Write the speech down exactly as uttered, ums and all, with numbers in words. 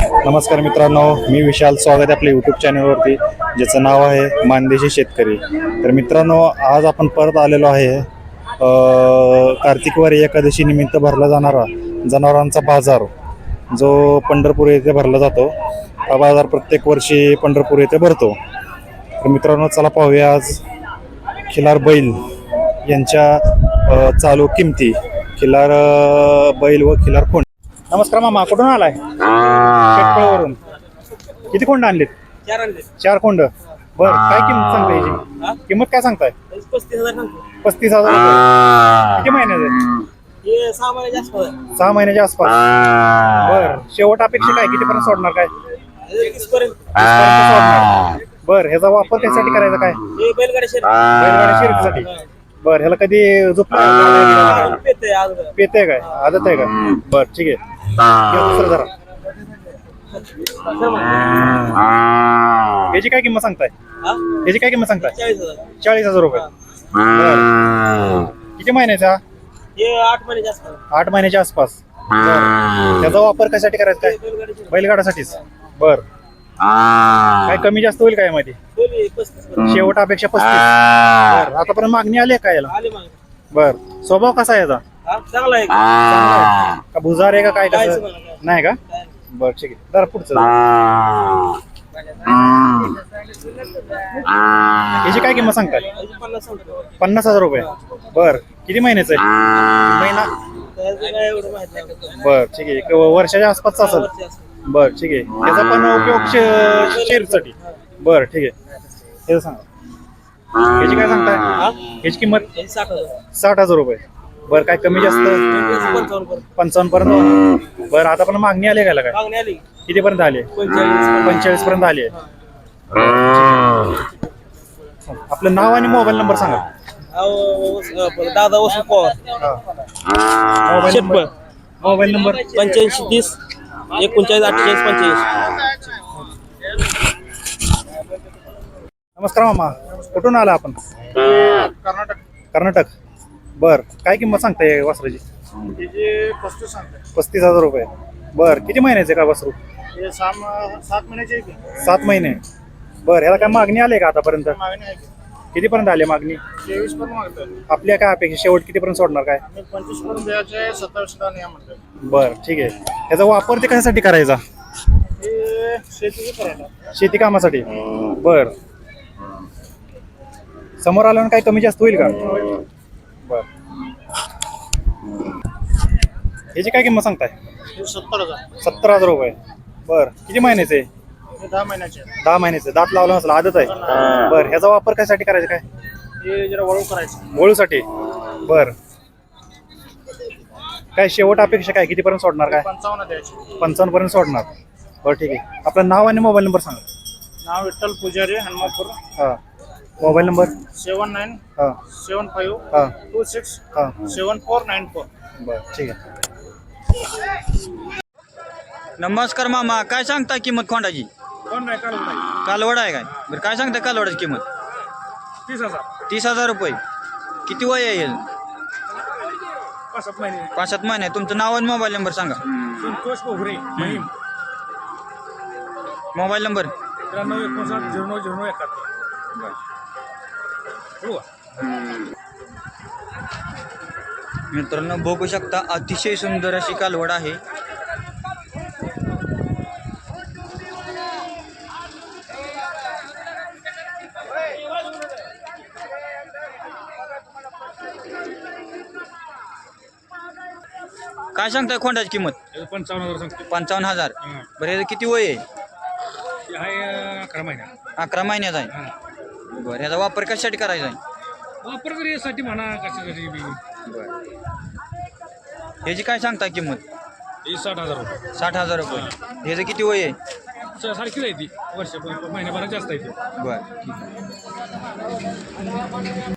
नमस्कार मित्रांनो, मी विशाल. स्वागत आहे आपल्या यूट्यूब चॅनलवरती, ज्याचं नाव आहे मानदेशी शेतकरी. तर मित्रांनो, आज आपण परत आलेलो आहे कार्तिकवारी एकादशी निमित्त भरला जाणारा जनावरांचा बाजार, जो पंढरपूर येथे भरला जातो. हा बाजार प्रत्येक वर्षी पंढरपूर येथे भरतो. तर मित्रांनो, चला पाहूया आज खिलार बैल यांच्या चालू किमती. खिलार बैल व खिलार कोंड. नमस्कार मामा, कुठून आलाय? शेतकळवरून. किती कोंड आणलेत? चार आणले. चार कोंड. बर, काय किंमत सांगताय याची? किंमत काय सांगताय? पस्तीस हजार सांगतो. पस्तीस हजार रुपये. किती महिन्याचे? हे सहा महिन्याच्या आसपास. सहा महिन्याच्या आसपास. बर, शेवट अपेक्षा काय? कितीपर्यंत सोडणार? काय तीस पर्यंत. तीसपर्यंत सोडणार. बर, ह्याचा वापर त्यासाठी करायचा काय? हे बैलगाडी शर्यत. बैलगाडी शर्यतीसाठी. बर, ह्याला कधी झोपला पेते आज. पेते काय? आदत आहे का? बर, ठीक आहे. दुसरं जरा याची काय किंमत सांगताय? हा? याची काय किंमत सांगताय? चाळीस हजार. चाळीस हजार रुपये. बर, किती महिन्याचा? हे आठ महिन्याच्या आसपास. आठ महिन्याच्या आसपास. बर, त्याचा वापर कशासाठी करायचा काय? बैलगाडी शर्यत. बैलगाडासाठीच. बर, काय कमी जास्त होईल काय मध्ये? दोन्ही पस्तीस पर्यंत. शेवट अपेक्षा पस्तीस. बर, आतापर्यंत मागणी आली आहे का याला? आले मग. बर, स्वभाव कसा आहे याचा? हा, चांगला आहे. चांगला आहे का? भुजार आहे का? काय काय कसं? समजलं काय? नाही का? काय? बर, ठीक आहे. जरा पुढचं याची काय किंमत सांगताय? याची पन्नास सांगतो. पन्नास हजार रुपये. बर, किती महिन्याचं आहे? महिना. त्याचं काय एवढं माहित नाही. बर, ठीक आहे. एक वर्षाच्या आसपासचा असेल. वर्षी असतं. बर, ठीक आहे. त्याचा पण उपयोग शे- शेअरसाठी. बर, ठीक आहे. हे सांगा, याची काय सांगताय? हा? याची किंमत याची साठ हजार. साठ हजार रुपये. बर, काय कमी जास्त? पंचावन्न पर्यंत. पंचावन्न पर्यंत. बरं, आता पण मागणी आली का काय? मागणी आली. किती पर्यंत आली? पंचेचाळीस. पंचेचाळीस पर्यंत आली आहे. आपलं नाव आणि मोबाईल नंबर सांगा. अहो, दादा Vasu Pawar. Mobile Shetphal. Number. Mobile number पंच्याऐंशी तीस एकोणचाळीस अठ्ठेचाळीस पंच्याऐंशी. नमस्कार मामा, कुठून आला आपण? कर्नाटक. कर्नाटक. बर, काय किंमत सांगताय वासराची? त्याचे पस्तीस सांगते. पस्तीस हजार रुपये. बर, किती महिन्याचे का वासरू? हे सहा सात महिन्याचे आहे की सात महिने. बर, ह्याला काय मागणी आली का आतापर्यंत? मागणी आहे की कितीपर्यंत आली मागणी? तेवीस पर्यंत मागतोय. आपल्या काय अपेक्षा? शेवट कितीपर्यंत सोडणार काय? मी पंचवीस पर्यंत द्यायचे, सत्तावीस ला नाही म्हणतोय. बर, ठीक आहे. ह्याचा वापर ते कशासाठी करायचा? हे शेतीचे करायला. शेती कामासाठी. बर, समोर आल्यावर काही कमी जास्त होईल का? बर, ह्याची काय किंमत सांगताय? हे सत्तर हजार. सत्तर हजार रुपये. बर, किती महिन्याचे? हे दहा महिन्याचे आहे. दहा महिन्याचे. दात लावला नसला, आदत आहे. बर, ह्याचा वापर कशासाठी करायचा काय? हे जरा वळू करायचं. वळूसाठी. बर, काय शेवट अपेक्षा काय? कितीपर्यंत सोडणार काय? पंचावन्न द्यायचे. पंचावन्न पर्यंत सोडणार. बरं, ठीक आहे. आपलं नाव आणि मोबाईल नंबर सांगा. नाव विठ्ठल पुजारी, हनुमानपूर. हां, मोबाईल नंबर. सेवन नाईन हां सेवन फाईव्ह हां टू सिक्स हां. Seven four nine four. बरं, ठीक आहे. नमस्कार मामा, काय सांगता किंमत खोंडाची? कोण नाही काल नाही. कालवड आहे काय? बरं, काय सांगता कालवडाची किंमत? तीस हजार. तीस हजार रुपये. किती वय येईल? पाच सात महिने. पाच सात महिने. तुमचं नाव आणि मोबाईल नंबर सांगा. संतोष पोहरे, महिम. Mobile number. त्र्याण्णव एकोणसाठ झिरो नऊ झिरो नऊ एकाहत्तर. हो. मित्रांनो, बघू शकता अतिशय सुंदर अशी कालवड आहे. काय सांगताय खोंडाची किंमत? पंचावन्न हजार सांगतो. पंचावन्न हजार. बरं, याचं किती वय आहे? आहे अकरा महिना. अकरा महिन्याचा आहे. बरं, याचा वापर कशासाठी करायचा आहे? वापर तरी यासाठी म्हणा कशासाठी बी. बरं, ह्याची काय सांगता किंमत? ही साठ हजार रुपये. साठ हजार रुपये. ह्याचं किती वय आहे? स- सारखीच आहे ती. वर्ष महिन्याभरात जास्त आहे ती. बरं, ठीक आहे.